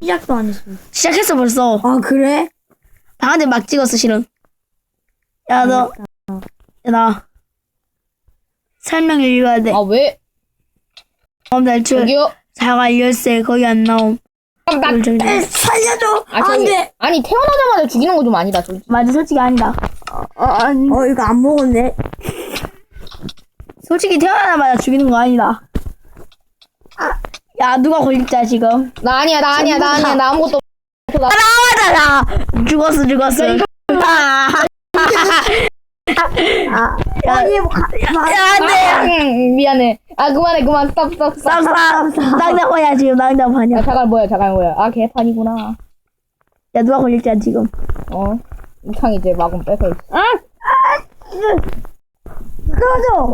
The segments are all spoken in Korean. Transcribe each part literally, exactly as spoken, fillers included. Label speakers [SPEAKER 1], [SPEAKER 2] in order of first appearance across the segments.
[SPEAKER 1] 시작도 안 했어.
[SPEAKER 2] 시작했어 벌써.
[SPEAKER 1] 아 그래?
[SPEAKER 2] 방한테 막 찍었어 실은. 야 너, 야 나 설명 읽어야 돼.
[SPEAKER 3] 아 왜?
[SPEAKER 2] 다음 달출
[SPEAKER 3] 저기요.
[SPEAKER 2] 자갈 열쇠 거기 안 나옴.
[SPEAKER 3] 나,
[SPEAKER 1] 에, 살려줘.
[SPEAKER 3] 아, 저기,
[SPEAKER 1] 안돼.
[SPEAKER 3] 아니 태어나자마자 죽이는 거 좀 아니다. 솔직히.
[SPEAKER 2] 맞아 솔직히 아니다.
[SPEAKER 1] 어, 아니. 어 이거 안 먹었네.
[SPEAKER 2] 솔직히 태어나자마자 죽이는 거 아니다. 야 누가 걸릴자 지금.
[SPEAKER 3] 나 아니야, 나 아니야, 나 아니야, 나 아무것도. 없어. 나
[SPEAKER 2] 나와잖아. 죽었어 죽었어. 아,
[SPEAKER 1] 아
[SPEAKER 2] 야,
[SPEAKER 1] 아니 뭐 가.
[SPEAKER 2] 야 안돼.
[SPEAKER 3] 음, 미안해. 아 그만해, 그만. 스탑, 스탑, 스탑.
[SPEAKER 2] 쌍쌍 낭낭파냐 지금
[SPEAKER 3] 야,
[SPEAKER 2] 낭낭파냐.
[SPEAKER 3] 자갈 뭐야, 자갈 뭐야. 아 개판이구나.
[SPEAKER 2] 야 누가 걸릴자 지금.
[SPEAKER 3] 어. 이창 이제 마금 뺏어 있어.
[SPEAKER 1] 아, 꺼져.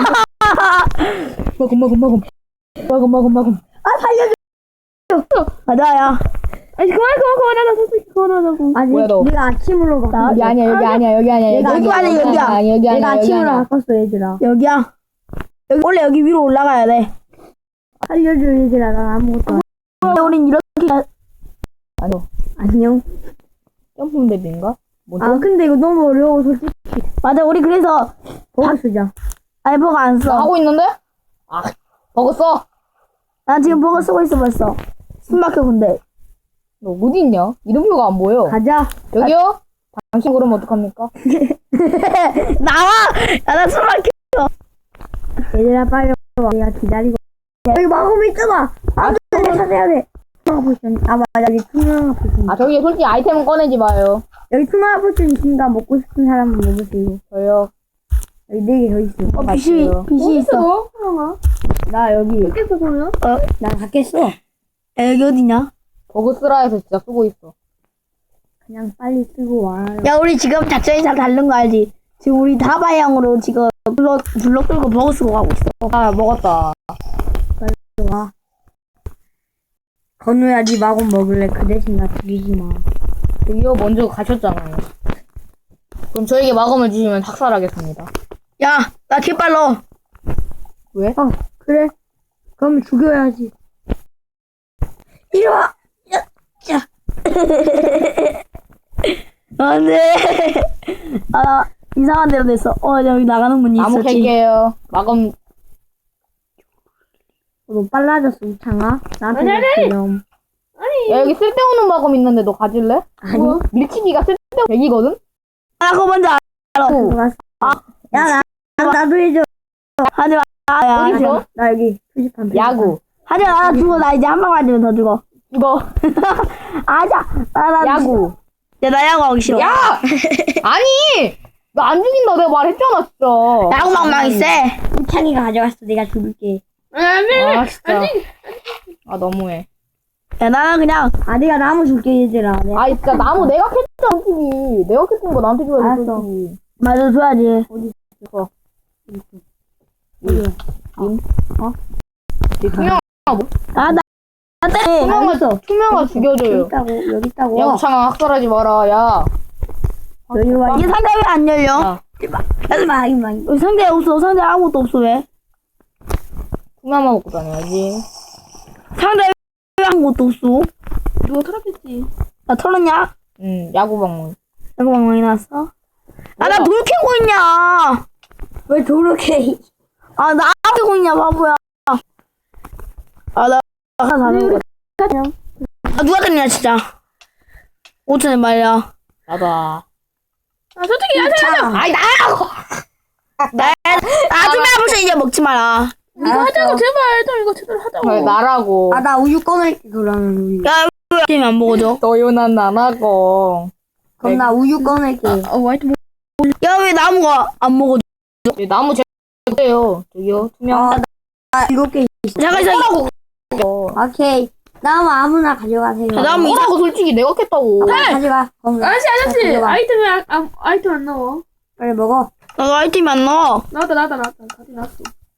[SPEAKER 3] 마금, 마금, 마금. 마금, 마금, 마금.
[SPEAKER 1] 아 살려줘.
[SPEAKER 2] 맞아야.
[SPEAKER 1] 아니 그만 그만 그만하자 솔직히 그만하자고. 아니
[SPEAKER 3] 뭐야, 너?
[SPEAKER 1] 내가 아침으로 바꿨어.
[SPEAKER 3] 여기 아니야, 여기 아니야, 여기 아니야.
[SPEAKER 1] 얘가
[SPEAKER 3] 여기
[SPEAKER 2] 아니야,
[SPEAKER 3] 아니야,
[SPEAKER 2] 여기야.
[SPEAKER 3] 여기
[SPEAKER 1] 내가
[SPEAKER 3] 아니야, 여기
[SPEAKER 1] 아침으로
[SPEAKER 3] 아니야.
[SPEAKER 1] 바꿨어 얘들아.
[SPEAKER 2] 여기야. 여기 원래 여기 위로 올라가야 돼.
[SPEAKER 1] 살려줘 얘들아. 난 아무것도 안.
[SPEAKER 2] 원래 우린 이렇게.
[SPEAKER 3] 아니요.
[SPEAKER 1] 안녕.
[SPEAKER 3] 점프 맵인가? 뭐지?
[SPEAKER 1] 아 근데 이거 너무 어려워 솔직히.
[SPEAKER 2] 맞아 우리 그래서
[SPEAKER 1] 버거 쓰자.
[SPEAKER 2] 알버가 안
[SPEAKER 3] 나
[SPEAKER 2] 써.
[SPEAKER 3] 하고 있는데? 아, 먹었어.
[SPEAKER 2] 난 지금 버거 쓰고 있어 벌써. 숨 막혀 근데.
[SPEAKER 3] 너 어디 있냐? 이름표가 안 보여.
[SPEAKER 1] 가자.
[SPEAKER 3] 여기요? 당신 그러면 어떡합니까?
[SPEAKER 2] 나와. 야나 숨 막혀.
[SPEAKER 1] 얘들아 빨리 와. 내가 기다리고. 여기 마검 있잖아. 아, 내가 찾아야 돼. 투명한 포션. 아 맞아 여기 투명한 포션.
[SPEAKER 3] 아, 저기 솔직히 아이템은 꺼내지 마요.
[SPEAKER 1] 여기 투명한 포션 있으니까 먹고 싶은 사람은 먹으세요.
[SPEAKER 3] 저요.
[SPEAKER 1] 여기 네 개 더 있어.
[SPEAKER 2] 어 빛이 빛이 있어.
[SPEAKER 1] 나 여기.
[SPEAKER 2] 깼어 그러면? 어?
[SPEAKER 1] 나 닫겠어.
[SPEAKER 2] 야, 여기 어디냐?
[SPEAKER 3] 버그 쓰라 해서 진짜 쓰고 있어.
[SPEAKER 1] 그냥 빨리 쓰고 와.
[SPEAKER 2] 야 우리 지금 작전이 다 다른 거 알지? 지금 우리 다바양으로 지금 블럭 블럭 끌고 버거 쓰고 가고 있어.
[SPEAKER 3] 아, 먹었다.
[SPEAKER 1] 와. 건우야 네 마검 먹을래? 그 대신 나 죽이지 마.
[SPEAKER 3] 저기요, 먼저 가셨잖아요. 그럼 저에게 마검을 주시면 학살하겠습니다.
[SPEAKER 2] 야 나 개빨러.
[SPEAKER 3] 왜?
[SPEAKER 1] 어 그래. 그럼 죽여야지. 이리 와.
[SPEAKER 2] 안돼. 아 이상한 데로 됐어. 어 여기 나가는 문이
[SPEAKER 3] 나무
[SPEAKER 2] 있었지.
[SPEAKER 3] 캘게요. 마검.
[SPEAKER 1] 너 빨라졌어 우창아. 나한테
[SPEAKER 3] 아니, 아니.
[SPEAKER 1] 그럼.
[SPEAKER 3] 야, 여기 쓸데없는 마검 있는데 너 가질래?
[SPEAKER 1] 아니.
[SPEAKER 3] 뭐? 밀치기가 쓸데없는 백이거든?
[SPEAKER 2] 아 그거 먼저 알아.
[SPEAKER 1] 들어갔어.
[SPEAKER 2] 아.
[SPEAKER 1] 야 나, 나 나도 해줘.
[SPEAKER 2] 하지 마. 야,
[SPEAKER 3] 어디
[SPEAKER 2] 하지
[SPEAKER 3] 있어?
[SPEAKER 2] 마.
[SPEAKER 1] 나 여기 표지판. 표지판.
[SPEAKER 3] 야구.
[SPEAKER 2] 하지 마. 나 죽어. 나 이제 한 방 맞으면 더 죽어.
[SPEAKER 3] 이거.
[SPEAKER 2] 아자. 나, 나
[SPEAKER 3] 야구.
[SPEAKER 2] 야, 나 야구 하기 싫어.
[SPEAKER 3] 야! 아니! 나 안 죽인다. 내가 말했잖아, 진짜.
[SPEAKER 2] 야구 막망이 세.
[SPEAKER 1] 우창이가 가져갔어. 내가 죽일게.
[SPEAKER 3] 아, 진짜. 아, 너무해.
[SPEAKER 2] 야, 나는 그냥,
[SPEAKER 1] 아 내가 나무 줄게 얘들아. 내가
[SPEAKER 3] 아, 진짜 나무 내가 캤잖아, 솔직히. 내가 캤던 거 나한테 줘야지,
[SPEAKER 1] 알았어.
[SPEAKER 3] 솔직히.
[SPEAKER 2] 맞아, 줘야지.
[SPEAKER 3] 이거.
[SPEAKER 1] 어디야?
[SPEAKER 3] 이 투명,
[SPEAKER 2] 아, 나, 나 때.
[SPEAKER 3] 투명아,
[SPEAKER 1] 알았어.
[SPEAKER 3] 투명아
[SPEAKER 1] 여기
[SPEAKER 3] 죽여줘요.
[SPEAKER 1] 있다고 여기 있다고.
[SPEAKER 3] 야, 우창아, 학살하지 마라, 야.
[SPEAKER 1] 여기 와.
[SPEAKER 2] 이게 상자 왜 안 열려?
[SPEAKER 3] 야,
[SPEAKER 1] 하지 마 하지 마.
[SPEAKER 2] 여기 상자에 없어. 상자에 아무것도 없어, 왜?
[SPEAKER 3] 투명만 먹고 다녀야지.
[SPEAKER 2] 상자에 왜 아무것도 없어?
[SPEAKER 1] 누가 털었겠지.
[SPEAKER 2] 나 털었냐?
[SPEAKER 3] 응, 야구방문.
[SPEAKER 2] 야구 막망이 나왔어? 아, 나
[SPEAKER 3] 뭐야?
[SPEAKER 2] 돌 캐고 있냐?
[SPEAKER 1] 왜 저렇게?
[SPEAKER 2] 아, 나 캐고 있냐, 바보야. 아, 나, 아까 다른 거. 아, 누가 됐냐, 진짜. 오천엔 말이야.
[SPEAKER 3] 나다.
[SPEAKER 2] 아, 솔직히 하세요.
[SPEAKER 3] 아이, 나라고!
[SPEAKER 2] 나, 나 투명 포션 이제 먹지 마라.
[SPEAKER 1] 이거 하자고
[SPEAKER 2] 제발, 좀 이거 제대로 하자고.
[SPEAKER 3] 왜 나라고.
[SPEAKER 1] 아 나 우유 꺼낼게 그러면 우유.
[SPEAKER 2] 야, 왜 팀이 안 먹어줘?
[SPEAKER 3] 너요난 나라고.
[SPEAKER 1] 그럼 나 우유 꺼낼게.
[SPEAKER 2] 어, 화이트 먹 야, 왜 나무가 안 먹어줘?
[SPEAKER 3] 네, 나무 제거요. 저기요, 투명.
[SPEAKER 1] 아, 나 일곱 개 있어.
[SPEAKER 2] 잠깐, 잠깐.
[SPEAKER 1] 오케이. 나무 아무나 가져가세요.
[SPEAKER 2] 야, 나무 이상.
[SPEAKER 3] 뭐라고 솔직히 내가 캤다고.
[SPEAKER 1] 아, 가져가. 그럼
[SPEAKER 4] 아저씨 아저씨
[SPEAKER 1] 가져가.
[SPEAKER 4] 아이템이 아, 아, 아이템 안 나와.
[SPEAKER 1] 빨리 먹어.
[SPEAKER 2] 나도 아이템이 안 나와.
[SPEAKER 4] 나왔다 나왔다 나왔다 가지 나왔어.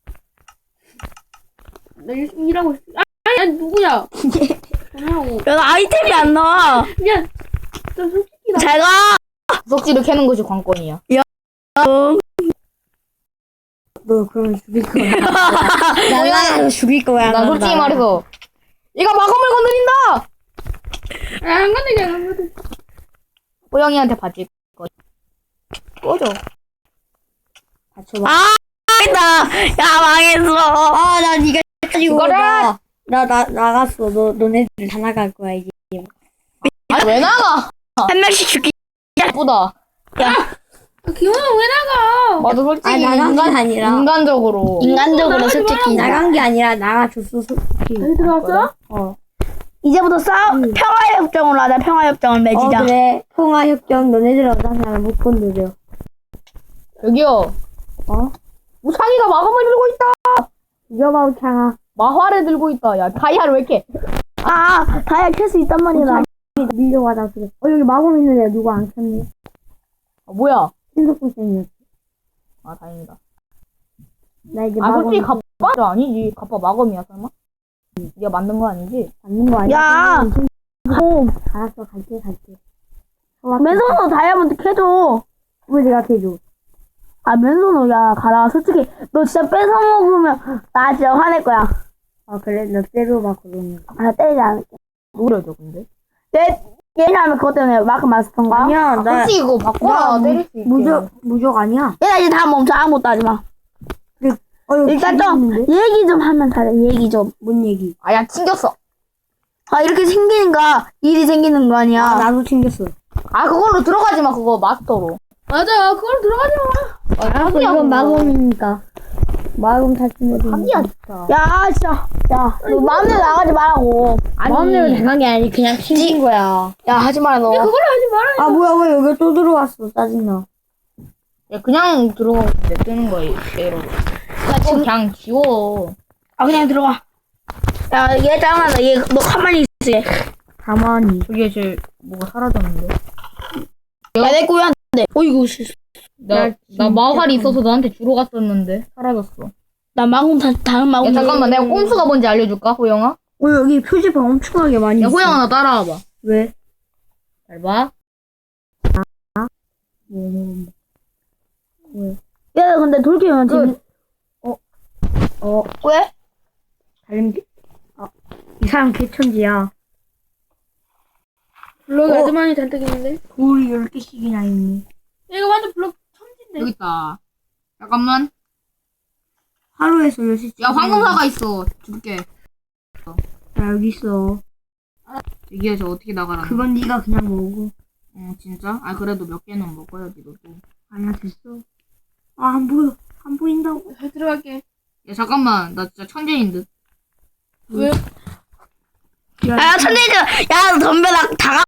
[SPEAKER 4] 나 열심히 일하고 있어. 아, 아니, 아니 누구야? 전화하고.
[SPEAKER 2] 야, 나 아이템이 안 나와.
[SPEAKER 4] 야, 좀 솔직히 나.
[SPEAKER 2] 잘 가.
[SPEAKER 3] 구석지를 캐는 것이 관건이야.
[SPEAKER 2] 응.
[SPEAKER 1] 너 그러면 죽일 거야. 날라가서 죽일 거야.
[SPEAKER 3] 난 솔직히
[SPEAKER 1] 나.
[SPEAKER 3] 말해서 얘가 마검을 건드린다.
[SPEAKER 4] 안 건드려, 안 건드려.
[SPEAKER 3] 호영이한테 바질 거. 꺼져.
[SPEAKER 1] 받쳐봐.
[SPEAKER 2] 아, 망했다. 야, 망했어.
[SPEAKER 1] 아, 나 니가 가지고
[SPEAKER 3] 이거라!
[SPEAKER 1] 나, 나, 나, 나갔어. 너, 너네들 다 나갈 거야, 이제.
[SPEAKER 3] 아니, 왜 나가?
[SPEAKER 2] 한 명씩 죽기.
[SPEAKER 3] 예쁘다.
[SPEAKER 4] 아, 기훈아, 왜 나가?
[SPEAKER 3] 맞아, 솔직히.
[SPEAKER 1] 아, 나간 게
[SPEAKER 3] 인간,
[SPEAKER 1] 아니라.
[SPEAKER 3] 인간적으로.
[SPEAKER 2] 인간적으로
[SPEAKER 4] 나가지
[SPEAKER 2] 솔직히.
[SPEAKER 1] 나간 게 아니라 나가줬어, 솔직히.
[SPEAKER 4] 여기 들어왔어?
[SPEAKER 1] 어.
[SPEAKER 2] 이제부터 싸우,
[SPEAKER 1] 응.
[SPEAKER 2] 평화협정으로 하자, 평화협정을
[SPEAKER 1] 어,
[SPEAKER 2] 맺자.
[SPEAKER 1] 그래. 통화협정 너네들 어떤 사람 못 건드려.
[SPEAKER 3] 저기요.
[SPEAKER 1] 어?
[SPEAKER 3] 우창이가 마검을 들고 있다.
[SPEAKER 1] 이겨봐, 우창아.
[SPEAKER 3] 마화를 들고 있다. 야, 다이아를 왜 이렇게.
[SPEAKER 2] 아, 다이아 캘 수 있단 말이다.
[SPEAKER 1] 밀려가다 그래. 어, 여기 마검 있는데 누가 안 켰네.
[SPEAKER 3] 아, 뭐야.
[SPEAKER 1] 신속고생이었어.
[SPEAKER 3] 아, 다행이다.
[SPEAKER 1] 나 이제
[SPEAKER 3] 아,
[SPEAKER 1] 마검
[SPEAKER 3] 솔직히 갑바 아니지. 갑바 마검이야, 설마? 네가 만든 거 아니지?
[SPEAKER 1] 받는 거 아니야?
[SPEAKER 2] 야! 오,
[SPEAKER 1] 알았어, 갈게, 갈게.
[SPEAKER 2] 맨손으로 다이아몬드 캐줘.
[SPEAKER 1] 왜 내가 해줘?
[SPEAKER 2] 아, 맨손으로, 야, 가라. 솔직히, 너 진짜 뺏어먹으면, 나 진짜 화낼 거야.
[SPEAKER 1] 아, 그래? 너 때려봐, 그러면.
[SPEAKER 2] 아, 나 때리지 않을게.
[SPEAKER 3] 노래죠, 근데.
[SPEAKER 2] 내, 얘는 그것 때문에 마크 마스터인가?
[SPEAKER 1] 아니야,
[SPEAKER 3] 아,
[SPEAKER 1] 나.
[SPEAKER 3] 솔직히 이거 바꿔라.
[SPEAKER 1] 나
[SPEAKER 3] 때릴 수 있게.
[SPEAKER 1] 무적, 무적 아니야.
[SPEAKER 2] 얘나 이제 다 멈춰. 아무것도 하지 마.
[SPEAKER 1] 어, 여기
[SPEAKER 2] 일단 좀,
[SPEAKER 1] 있는데?
[SPEAKER 2] 얘기 좀 하면 잘해. 얘기 좀.
[SPEAKER 1] 뭔 얘기?
[SPEAKER 3] 아, 야, 튕겼어.
[SPEAKER 2] 아, 이렇게 생기니까 일이 생기는 거 아니야.
[SPEAKER 1] 아, 나도 챙겼어.
[SPEAKER 3] 아, 그걸로 들어가지 마, 그거, 마스터로.
[SPEAKER 4] 맞아, 그걸 들어가지 마.
[SPEAKER 3] 아,
[SPEAKER 1] 알았어, 이건 마검이니까. 마검 탈출해야 되
[SPEAKER 3] 사기야, 진짜.
[SPEAKER 2] 야, 진짜. 야, 너 마음대로 나가지 말라고.
[SPEAKER 1] 마음대로 나간 게 아니, 그냥 튕긴 거야.
[SPEAKER 2] 야, 하지 마라, 너.
[SPEAKER 4] 그걸로 하지 말아요.
[SPEAKER 1] 아, 뭐야, 왜 여기 또 들어왔어. 짜증나.
[SPEAKER 3] 야, 그냥 들어가고 냅두는 거야, 얘로. 야, 지금 그냥 지워.
[SPEAKER 2] 아, 그냥 들어가. 야, 얘 짱하다. 얘, 너 가만히 있어.
[SPEAKER 1] 가만히.
[SPEAKER 3] 저기에 제 뭐가 사라졌는데.
[SPEAKER 2] 야, 내 꼬야. 네. 어이구, 씨.
[SPEAKER 3] 나, 나 마활이 있어서 너한테 주러 갔었는데, 사라졌어.
[SPEAKER 2] 나 마금 다, 다른 마금.
[SPEAKER 3] 야, 잠깐만, 내가 꼼수가 뭔지 알려줄까, 호영아?
[SPEAKER 1] 어, 여기 표지판 엄청나게 많이
[SPEAKER 3] 야,
[SPEAKER 1] 있어.
[SPEAKER 3] 호영아, 나 따라와봐.
[SPEAKER 1] 왜?
[SPEAKER 3] 잘 봐.
[SPEAKER 1] 뭐, 뭐, 뭐.
[SPEAKER 2] 야, 근데 돌키면 지금.
[SPEAKER 1] 어,
[SPEAKER 2] 왜?
[SPEAKER 1] 달림, 개- 아, 이 사람 개천지야.
[SPEAKER 4] 블럭이
[SPEAKER 1] 어.
[SPEAKER 4] 아주 많이 잔뜩 있는데?
[SPEAKER 1] 돌이 열 개씩이나 있네.
[SPEAKER 4] 이거 완전 블럭 천진데.
[SPEAKER 3] 여기 있다. 잠깐만.
[SPEAKER 1] 하루에서 열 개씩.
[SPEAKER 3] 야, 황금사가 있어. 줄게.
[SPEAKER 1] 야, 여기 있어.
[SPEAKER 3] 여기에 저 어떻게 나가라.
[SPEAKER 1] 그건 네가 그냥 먹어.
[SPEAKER 3] 어, 진짜? 아, 그래도 몇 개는 먹어야지, 너도.
[SPEAKER 1] 아니야, 됐어. 아, 안 보여. 안 보인다고.
[SPEAKER 4] 잘 들어갈게.
[SPEAKER 3] 야, 잠깐만. 나 진짜 천재인 듯.
[SPEAKER 4] 왜?
[SPEAKER 1] 야,
[SPEAKER 2] 야, 천재지. 야, 덤벼. 나, 다